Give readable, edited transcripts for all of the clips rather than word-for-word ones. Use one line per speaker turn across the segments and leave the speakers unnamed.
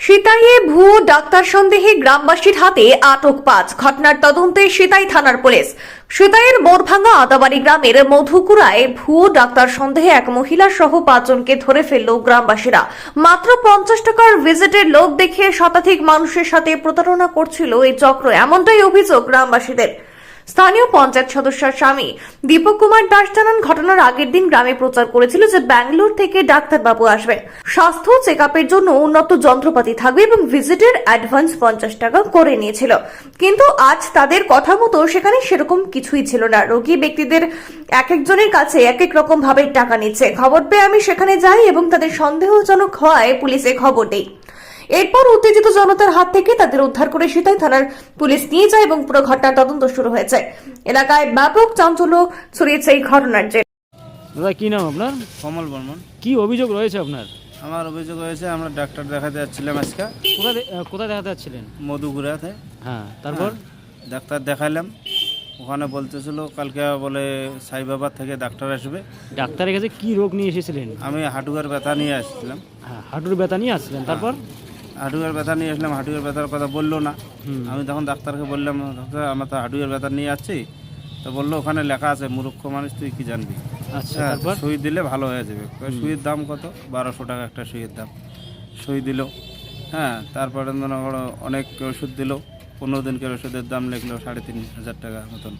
সিতাইয়ে ভুয়ো ডাক্তার সন্দেহে গ্রামবাসীর হাতে আটক 5। ঘটনার তদন্তে সিতাই থানার পুলিশ। সিতাইয়ের মোরভাঙ্গা আদাবাড়ি গ্রামের মধুকুড়ায় ভুয়ো ডাক্তার সন্দেহে এক মহিলা সহ 5 জনকে ধরে ফেলল গ্রামবাসীরা। মাত্র 50 টাকার ভিজিটের লোক দেখিয়ে শতাধিক মানুষের সাথে প্রতারণা করছিল এই চক্র, এমনটাই অভিযোগ গ্রামবাসীদের। স্থানীয় পঞ্চায়েত সদস্যের স্বামী দীপক কুমার দাস জানান, ঘটনার আগের দিন গ্রামে প্রচার করেছিল যে ব্যাঙ্গালোর থেকে ডাক্তারবাবু আসবেন, স্বাস্থ্য চেক আপের জন্য উন্নত যন্ত্রপাতি থাকবে এবং ভিজিটের অ্যাডভান্স 50 টাকা করে নিয়েছিল। কিন্তু আজ তাদের কথা মতো সেখানে সেরকম কিছুই ছিল না। রোগী ব্যক্তিদের এক একজনের কাছে এক এক রকম ভাবে টাকা নিচ্ছে। খবর পেয়ে আমি সেখানে যাই এবং তাদের সন্দেহজনক হওয়ায় পুলিশে খবর দেই। এরপর উত্তেজিত জনতার হাত থেকে তাদের উদ্ধার করে সিতাই থানার পুলিশ নিয়ে যায় এবং পুরো ঘটনার তদন্ত শুরু হয়েছে। এলাকায় ব্যাপক চাঞ্চল্য ছড়িয়েছে এই ঘটনার জেরে।
দাদা কি নাম আপনার?
কমল বর্মন।
কি অভিযোগ রয়েছে আপনার?
আমার অভিযোগ হয়েছে আমরা ডাক্তার দেখাতে যাচ্ছিলাম আজকে।
কোথায় দেখাতে যাচ্ছিলেন?
মধুগুড়াতে।
হ্যাঁ, তারপর
ডাক্তার দেখালাম, ওখানে বলতেছিল কালকে বলে সাইবাবার থেকে ডাক্তার আসবে।
ডাক্তারের কাছে কি রোগ নিয়ে এসেছিলেন?
আমি হাঁটুয়ার ব্যথা নিয়ে আসছিলাম।
হ্যাঁ, হাঁটুর ব্যথা নিয়ে আসছিলেন। তারপর
হাঁটুয়ার ব্যথা নিয়ে আসলাম, হাঁটুয়ার ব্যথার কথা বললো না। আমি তখন ডাক্তারকে বললাম, ডাক্তার আমরা তো হাঁটুয়ার ব্যথা নিয়ে আসছি। তো বললো ওখানে লেখা আছে, মূর্খ মানুষ তুই কি জানবি।
আচ্ছা, তারপর
সুই দিলে ভালো হয়ে যাবে। সুইয়ের দাম কত? 1200 টাকা একটা সুইয়ের দাম। সুই দিল। হ্যাঁ, তারপরে মনে করো অনেক ওষুধ দিল। 15 দিনকার ওষুধের দাম লিখলো 3500 টাকা মতন।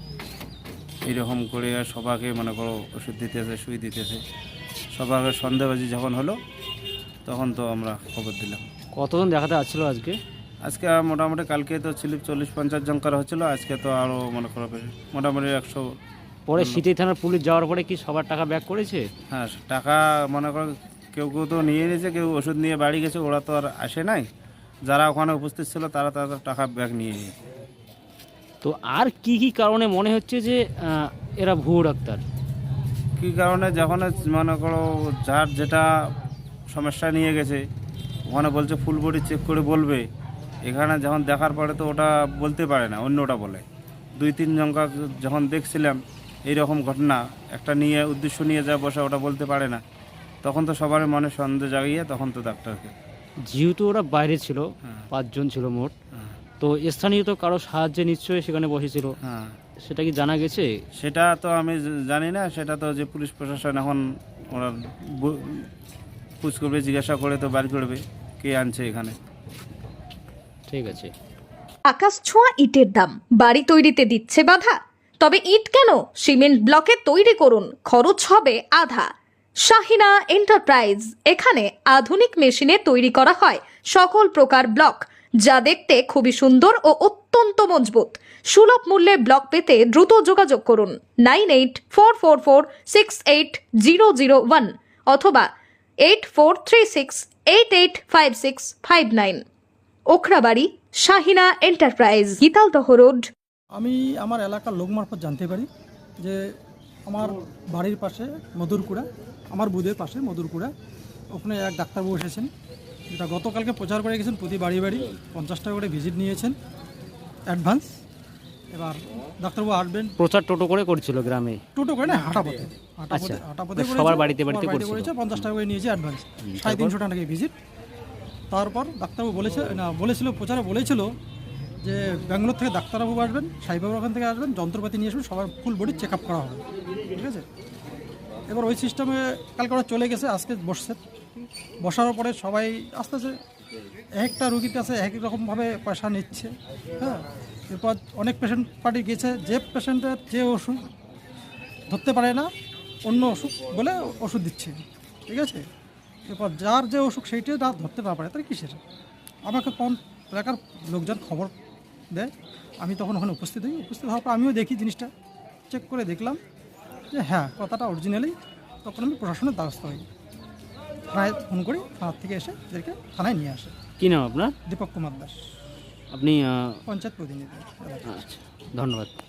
এইরকম করে সবাইকে মনে করো ওষুধ দিতেছে, সুই দিতেছে। সবাইকে সন্দেহবাজি যখন হলো তখন তো আমরা খবর দিলাম।
কতজন দেখাতে আসছিল আজকে?
আজকে মোটামুটি কালকে তো ছিল 40-50 জনকার হচ্ছিলো, আজকে তো আরও মনে করো মোটামুটি 100।
পরে সিতাই থানার পুলিশ যাওয়ার পরে কি সবার টাকা ব্যাক করেছে?
হ্যাঁ, টাকা মনে করো কেউ কেউ তো নিয়ে নিয়েছে, কেউ ওষুধ নিয়ে বাড়ি গেছে, ওরা তো আর আসে নাই। যারা ওখানে উপস্থিত ছিল তারা তাদের টাকা ব্যাক নিয়ে নিয়েছে।
তো আর কি কি কারণে মনে হচ্ছে যে এরা ভুয়ো ডাক্তার?
কী কারণে যখন মনে করো যার যেটা সমস্যা নিয়ে গেছে ওখানে বলছে ফুল বডি চেক করে বলবে, এখানে যখন দেখার পরে তো ওটা বলতে পারে না, অন্যটা বলে। 2-3 জনকা যখন দেখছিলাম এইরকম ঘটনা, একটা নিয়ে উদ্দেশ্য নিয়ে যা বসে ওটা বলতে পারে না, তখন তো সবার মনে সন্দেহ জাগিয়ে তখন তো ডাক্তারকে।
যেহেতু ওরা বাইরে ছিল, 5 জন ছিল মোট, তো স্থানীয় তো কারো সাহায্যে নিশ্চয়ই সেখানে বসেছিল।
হ্যাঁ,
সেটা কি জানা গেছে?
সেটা তো আমি জানি না, সেটা তো যে পুলিশ প্রশাসন এখন ওরা পুছ করবে, জিজ্ঞাসা করে তো বার করবে কে আনছে এখানে।
ঠিক আছে।
আকাশ ছোঁয়া ইটের দাম বাড়ি তৈরিতে দিচ্ছে বাধা? তবে ইট কেন, সিমেন্ট ব্লকে তৈরি করুন, খরচ হবে আধা। শাহিনা এন্টারপ্রাইজ, এখানে আধুনিক মেশিনে তৈরি করা হয় সকল প্রকার ব্লক, যা দেখতে খুবই সুন্দর ও অত্যন্ত মজবুত। সুলভ মূল্যে ব্লক পেতে দ্রুত যোগাযোগ করুন 9844468001 অথবা 8436885659। Okhrabari, Shahina enterprise, Gitaldaha road.
আমি আমার এলাকার লোক মারফত জানতে পারি যে আমার বাড়ির পাশে মধুরকুড়া, আমার বুধের পাশে মধুরকুড়া, ওখানে এক ডাক্তারবাবু এসেছেন, যেটা গতকালকে প্রচার করে গেছেন। প্রতি বাড়ি বাড়ি 50 টাকা করে ভিজিট নিয়েছেন অ্যাডভান্স। এবার ডাক্তারবাবু আসবেন।
প্রচার টোটো করে করছিল গ্রামে?
টোটো করে না, হাঁটাপথে
আচ্ছা,
হাঁটাপথে
সবার বাড়িতে বাড়িতে করেছে।
50 টাকা করে নিয়েছে অ্যাডভান্স, 350 টাকা নাকি ভিজিট। তারপর ডাক্তারবাবু বলেছিল প্রচারে বলেছিল যে ব্যাঙ্গালোর থেকে ডাক্তারবাবু আসবেন, সাইবাবুর ওখান থেকে আসবেন, যন্ত্রপাতি নিয়ে আসবেন, সবার ফুল বডি চেক আপ করা হবে। ঠিক আছে, এবার ওই সিস্টেমে কালকে ওরা চলে গেছে, আজকে বসছে। বসার পরে সবাই আস্তে আস্তে একটা রুগীর কাছে এক রকমভাবে পয়সা নিচ্ছে। হ্যাঁ, এরপর অনেক পেশেন্ট পার্টি গেছে, যে পেশেন্টের যে ওষুধ ধরতে পারে না অন্য অসুখ বলে ওষুধ দিচ্ছে। ঠিক আছে, এরপর যার যে অসুখ সেইটা না ধরতে না পারে তাহলে কিসের। আমাকে কোন এলাকার লোকজন খবর দেয়, আমি তখন ওখানে উপস্থিত হই। উপস্থিত হওয়ার পর আমিও দেখি জিনিসটা, চেক করে দেখলাম যে হ্যাঁ কথাটা অরিজিনালি। তখন আমি প্রশাসনের দ্বারস্থ হই, থানায় ফোন করি, থানার থেকে এসে এদেরকে থানায় নিয়ে আসে।
কি নাম আপনার?
দীপক কুমার দাস,
আপনি
পঞ্চায়েত প্রতিনিধি।
আচ্ছা, ধন্যবাদ।